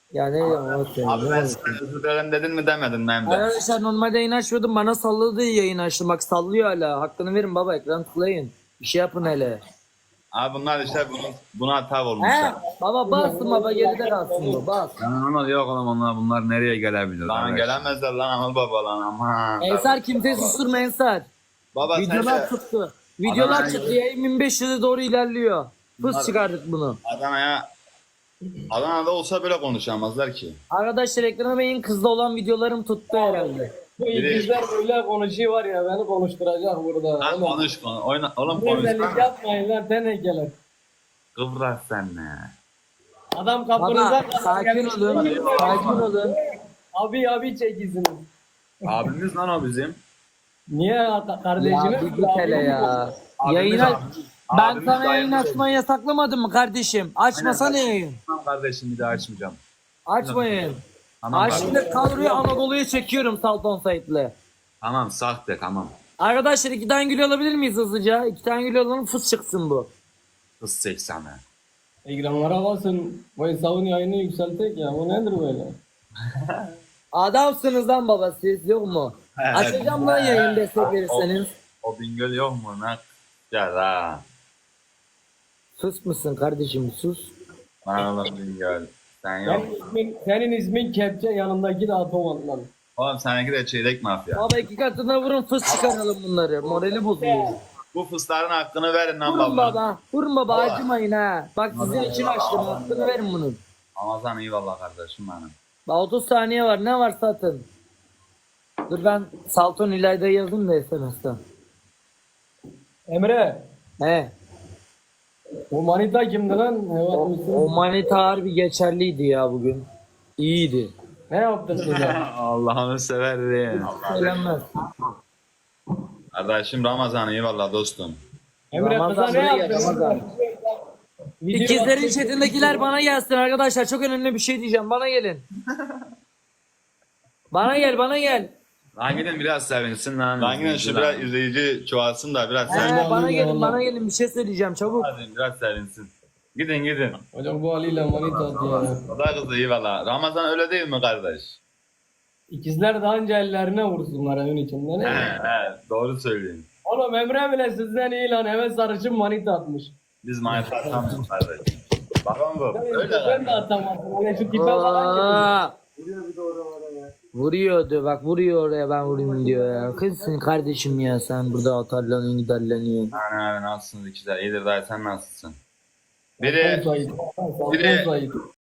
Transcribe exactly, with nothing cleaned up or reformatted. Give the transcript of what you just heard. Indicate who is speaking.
Speaker 1: Ya ne onu söyleyeyim.
Speaker 2: Abi
Speaker 1: ne
Speaker 2: ben
Speaker 1: onu
Speaker 2: sana
Speaker 1: söyleyeyim.
Speaker 2: özür dilerim dedin mi demedin mi hem de.
Speaker 1: Arkadaşlar normalde yayın açmıyordum. Bana salladı yayın açtım. Bak sallıyor hala. Hakkını verin baba. Ekran tıklayın. Bir şey yapın hele.
Speaker 2: Abi bunlar işte bunu, buna tav
Speaker 1: He?
Speaker 2: olmuşlar.
Speaker 1: Baba basın baba. Geride kalsın bu. Bas.
Speaker 3: Lan onlar yok oğlum onlar bunlar nereye gelebilir?
Speaker 2: Lan
Speaker 3: kardeş?
Speaker 2: gelemezler lan Anıl baba lan aman.
Speaker 1: Ensar kimseyi susturma Ensar.
Speaker 2: Baba sen
Speaker 1: Videolar
Speaker 2: de
Speaker 1: tuttu. Videolar
Speaker 2: Adana-
Speaker 1: çıktı. Yayın bin beş yüze doğru ilerliyor.
Speaker 2: Bunlar-
Speaker 1: Fıs çıkardık bunu.
Speaker 2: Adana'ya Adana'da olsa böyle konuşamazlar ki.
Speaker 1: Arkadaşlar ekrana beyin kızda olan videolarım tuttu herhalde.
Speaker 4: Bu
Speaker 2: Biri-
Speaker 4: ikizler böyle konuşuyor var ya beni konuşturacak burada.
Speaker 2: Lan
Speaker 4: Oğlum,
Speaker 2: konuş konuş. Oyna, oğlum
Speaker 4: Güzellik
Speaker 2: konuş.
Speaker 4: yapmayın lan tenekeler.
Speaker 2: Kıvrak sen ne?
Speaker 4: Adam kapınıza
Speaker 1: Baba sakin olun. Sakin olun.
Speaker 4: Abi abi çekilsiniz.
Speaker 2: Abimiz lan o bizim.
Speaker 4: Niye
Speaker 1: Ya
Speaker 4: kardeşine?
Speaker 1: bir git hele ya.
Speaker 2: Abimiz
Speaker 1: Yayına
Speaker 2: abi.
Speaker 1: ben
Speaker 2: Abimiz
Speaker 1: sana yayın
Speaker 2: dayımız.
Speaker 1: açmayı yasaklamadım mı kardeşim? Açmasana yayın.
Speaker 2: Tamam kardeşim bir daha açmayacağım.
Speaker 1: Açmayın.
Speaker 2: Tamam
Speaker 1: Ay
Speaker 2: kardeşim.
Speaker 1: şimdi kadroyu Anadolu'ya çekiyorum Salton Sait'le.
Speaker 2: Tamam sahte tamam.
Speaker 1: Arkadaşlar iki tane gül alabilir miyiz hızlıca? İki tane gül alalım fıs çıksın bu.
Speaker 2: Kız seksene.
Speaker 4: Ekranlara basın. Bu hesabın yayını yükseltek ya. Bu nedir böyle?
Speaker 1: Adamsınız lan baba siz yok mu?
Speaker 2: Evet.
Speaker 1: Açacağım lan yayın destek verirseniz.
Speaker 2: O Bingöl yok mu? Ne? Ya da.
Speaker 1: Sus musun kardeşim sus.
Speaker 2: Bana oğlum Bingöl. Sen yok.
Speaker 4: Senin ismin, senin ismin kepçe yanındaki de atom lan.
Speaker 2: Oğlum seninki de çeyrek mafya.
Speaker 1: Baba iki katına vurun fıs çıkaralım bunları. Morali bozuluyor.
Speaker 2: Bu fısların hakkını verin lan
Speaker 1: Vurun
Speaker 2: baba.
Speaker 1: baba. Vurun baba acımayın ha. Bak sizin için açtım. Hakkını verin bunun.
Speaker 2: Ramazan iyi valla kardeşim benim.
Speaker 1: Bak otuz saniye var. Ne var satın. Dur ben Salton İlayda'yı yazdım da S M S'ten.
Speaker 4: Emre.
Speaker 1: He.
Speaker 4: O manita kimdi lan? Evet
Speaker 1: O,
Speaker 4: misin?
Speaker 1: o manita harbi geçerliydi ya bugün. İyiydi.
Speaker 4: Ne yaptın size?
Speaker 2: Allah'ını severim.
Speaker 1: Söylenmez.
Speaker 2: Kardeşim Ramazan iyi valla dostum.
Speaker 4: Emre kıza
Speaker 1: Ramazan
Speaker 4: ne
Speaker 1: buraya gel,
Speaker 4: yaptın?
Speaker 1: Ramazan.
Speaker 4: Video
Speaker 1: İkizlerin
Speaker 4: attın.
Speaker 1: chatindekiler bana gelsin arkadaşlar. Çok önemli bir şey diyeceğim. Bana gelin. Bana gel bana gel.
Speaker 3: Lan gidin biraz sevinsin lan.
Speaker 2: Lan yine şu biraz izleyici çoğalsın da biraz sen.
Speaker 1: He, bana
Speaker 4: alayım
Speaker 1: gelin
Speaker 4: ya,
Speaker 1: bana
Speaker 4: Allah.
Speaker 1: gelin bir şey söyleyeceğim çabuk.
Speaker 2: Hadi biraz sevinsin. Gidin gidin.
Speaker 4: Hocam bu Ali ile manita attı ya.
Speaker 2: O da kızı iyi valla. Ramazan öyle değil mi kardeş?
Speaker 4: İkizler daha önce ellerine vursunlar evin içinde.
Speaker 2: He
Speaker 4: Ne?
Speaker 2: he doğru söylüyorsun.
Speaker 4: Oğlum Emre bile sizden iyi lan. Eve sarışın manita atmış.
Speaker 2: Biz manyak atamıyoruz kardeş. Bakın bu. Öyle
Speaker 4: Ben de
Speaker 2: kardeş.
Speaker 4: atamazsın. Öyle şu tipe falan gibi.
Speaker 1: Aa, vuruyordu bak vuruyor oraya ben vurayım diyor ya. Kızsın kardeşim ya sen burada atarlanıyorsun giderleniyorsun.
Speaker 2: Aynen aynen nasılsınız ikizler? İyidir dayı sen nasılsın?
Speaker 4: Biri...
Speaker 2: Biri
Speaker 4: Biri...
Speaker 2: biri-
Speaker 4: Biri...